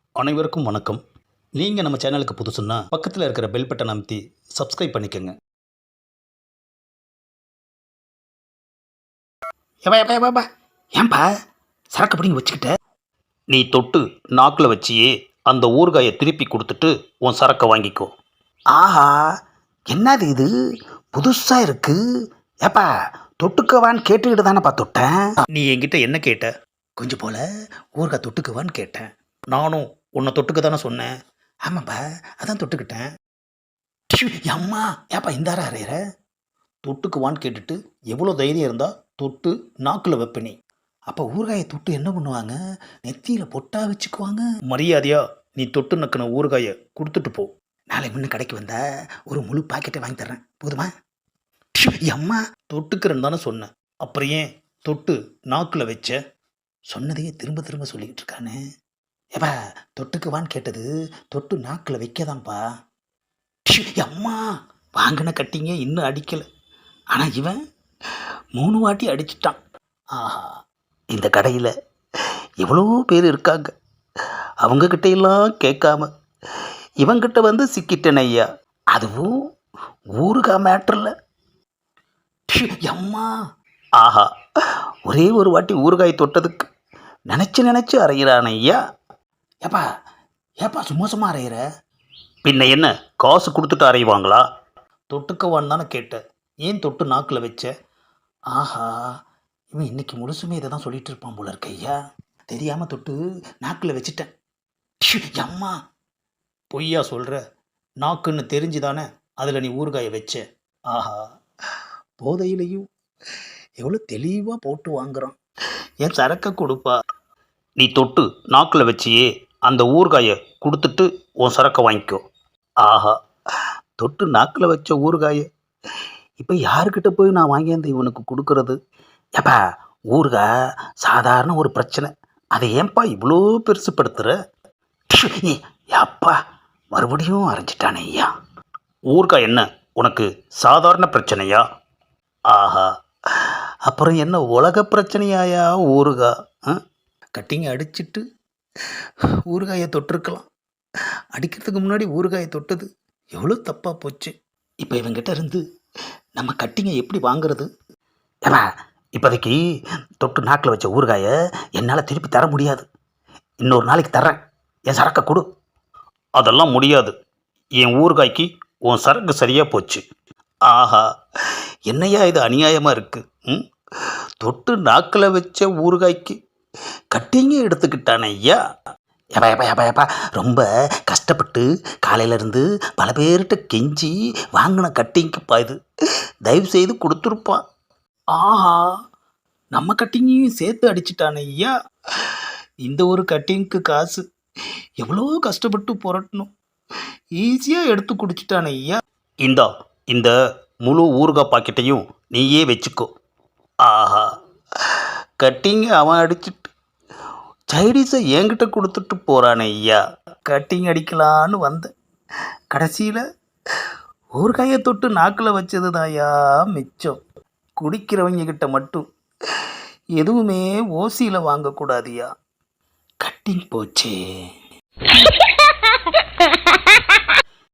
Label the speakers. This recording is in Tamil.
Speaker 1: அனைவருக்கும் வணக்கம். நீங்கள் நம்ம சேனலுக்கு புதுசுன்னா பக்கத்தில் இருக்கிற பெல் பட்டன் அமைத்தி சப்ஸ்கிரைப் பண்ணிக்கோங்க.
Speaker 2: ஏப்பா ஏப்பா ஏப்பா ஏன்பா சரக்கு பிடிங்கி வச்சுக்கிட்ட?
Speaker 1: நீ தொட்டு நாக்கில் வச்சியே அந்த ஊறுகாயை திருப்பி கொடுத்துட்டு உன் சரக்கை வாங்கிக்கோ.
Speaker 2: ஆஹா, என்னது இது புதுசாக இருக்கு. ஏப்பா தொட்டுக்கவான்னு கேட்டுக்கிட்டு தானேப்பா தொட்டேன்.
Speaker 1: நீ என்கிட்ட என்ன கேட்ட?
Speaker 2: கொஞ்சம் போல ஊறுகாய் தொட்டுக்குவான்னு கேட்டேன்.
Speaker 1: நானும் உன்னை தொட்டுக்க தானே சொன்னேன்.
Speaker 2: ஆமாப்பா, அதான் தொட்டுக்கிட்டேன். அம்மா ஏப்பா இந்தாரா அறையிற?
Speaker 1: தொட்டுக்குவான்னு கேட்டுட்டு எவ்வளோ தைரியம் இருந்தால் தொட்டு நாக்கில் வைப்ப நீ.
Speaker 2: அப்போ ஊறுகாயை தொட்டு என்ன பண்ணுவாங்க? நெத்தியில் பொட்டா வச்சுக்குவாங்க.
Speaker 1: மரியாதையா நீ தொட்டு நக்கின ஊறுகாயை கொடுத்துட்டு போ.
Speaker 2: நாளை முன்ன கடைக்கு வந்தா ஒரு முழு பாக்கெட்டை வாங்கி தர்றேன், போதுமா? அம்மா
Speaker 1: தொட்டுக்கிறேன்னு தானே சொன்னேன். அப்புறம் ஏன் தொட்டு நாக்கில் வச்ச?
Speaker 2: சொன்னதையே திரும்ப திரும்ப சொல்லிக்கிட்டு இருக்கானே. ஏப்பா தொட்டுக்குவான்னு கேட்டது தொட்டு நாக்கில் வைக்கதான்ப்பா. அம்மா வாங்கின கட்டிங்க இன்னும் அடிக்கலை, ஆனால் இவன் 3 வாட்டி அடிச்சிட்டான். ஆஹா, இந்த கடையில் எவ்வளோ பேர் இருக்காங்க, அவங்கக்கிட்ட எல்லாம் கேட்காம இவங்கிட்ட வந்து சிக்கிட்டேன் ஐயா. அதுவும் ஊறுகாய் மேட்டரில். அம்மா ஆஹா, ஒரே ஒரு வாட்டி ஊறுகாய் தொட்டதுக்கு நினச்சி அரைகிறான் ஐயா. ஏப்பா ஏப்பா சும்மா சும்மா அரைகிற?
Speaker 1: பின்ன என்ன காசு கொடுத்துட்டு அறைவாங்களா? தொட்டுக்கவான்னு தானே கேட்டேன், ஏன் தொட்டு நாக்கில் வச்ச?
Speaker 2: ஆஹா, இவன் இன்னைக்கு முழுசுமே இதை தான் சொல்லிட்டு இருப்பான் போல இருக்க ஐயா. தெரியாமல் தொட்டு நாக்கில் வச்சுட்டேன். அம்மா
Speaker 1: பொய்யா சொல்கிற? நாக்குன்னு தெரிஞ்சு தானே அதில் நீ ஊறுகாயை வச்ச.
Speaker 2: ஆஹா, போதையிலையும் எவ்வளோ தெளிவாக போட்டு வாங்குறான். என் சரக்கை கொடுப்பா.
Speaker 1: நீ தொட்டு நாக்கில் வச்சியே அந்த ஊறுகாயை கொடுத்துட்டு உன் சரக்கை வாங்கிக்கோ.
Speaker 2: ஆஹா, தொட்டு நாக்கில் வச்ச ஊறுகாயை இப்போ யாருக்கிட்ட போய் நான் வாங்கியாந்து இவனுக்கு கொடுக்கறது? ஏப்பா ஊறுகாய் சாதாரண ஒரு பிரச்சனை, அதை ஏன்பா இவ்வளோ பெருசுப்படுத்துகிற? அப்பா மறுபடியும் அரைஞ்சிட்டானே ஐயா.
Speaker 1: ஊறுகாய் என்ன உனக்கு சாதாரண பிரச்சனையா?
Speaker 2: ஆஹா, அப்புறம் என்ன உலக பிரச்சனையாயா ஊறுகாய்? கட்டிங்க அடிச்சிட்டு ஊறுகாயை தொட்டிருக்கலாம். அடிக்கிறதுக்கு முன்னாடி ஊறுகாயை தொட்டது எவ்வளோ தப்பாக போச்சு. இப்போ இவங்கிட்ட இருந்து நம்ம கட்டிங்க எப்படி வாங்குறது? ஏப்பா இப்போதைக்கு தொட்டு நாக்கில் வச்ச ஊறுகாயை என்னால் திருப்பி தர முடியாது. இன்னொரு நாளைக்கு தர்றேன், என் சரக்கை கொடு.
Speaker 1: அதெல்லாம் முடியாது. என் ஊறுகாய்க்கு உன் சரக்கு சரியாக போச்சு.
Speaker 2: ஆஹா, என்னையா இது அநியாயமாக இருக்குது. தொட்டு நாக்கில் வச்ச ஊறுகாய்க்கு கட்டிங்க எடுத்துக்கிட்டானே ஐயா. ஏப்பா ஏப்பா ஏப்பா ஏப்பா ரொம்ப கஷ்டப்பட்டு காலையிலேருந்து பல பேர்கிட்ட கெஞ்சி வாங்கின கட்டிங்குப்பா இது. தயவு செய்து கொடுத்துருப்பான். ஆஹா, நம்ம கட்டிங்கையும் சேர்த்து அடிச்சிட்டானே ஐயா. இந்த ஒரு கட்டிங்க்கு காசு எவ்வளோ கஷ்டப்பட்டு புரட்டணும், ஈஸியாக எடுத்து குடிச்சிட்டானே ஐயா.
Speaker 1: இந்த முழு ஊறுகாய் பாக்கெட்டையும் நீயே வச்சுக்கோ.
Speaker 2: ஆஹா, கட்டிங்க அவன் அடிச்சிட்டு சைடிஸை என்கிட்ட கொடுத்துட்டு போகிறானே ஐயா. கட்டிங் அடிக்கலான்னு வந்தேன், கடைசியில் ஊறுகாயை தொட்டு நாக்கில் வச்சது தாயா மிச்சம். குடிக்கிறவங்க கிட்ட மட்டும் எதுவுமே ஓசியில் வாங்கக்கூடாதியா. கட்டிங் போச்சே.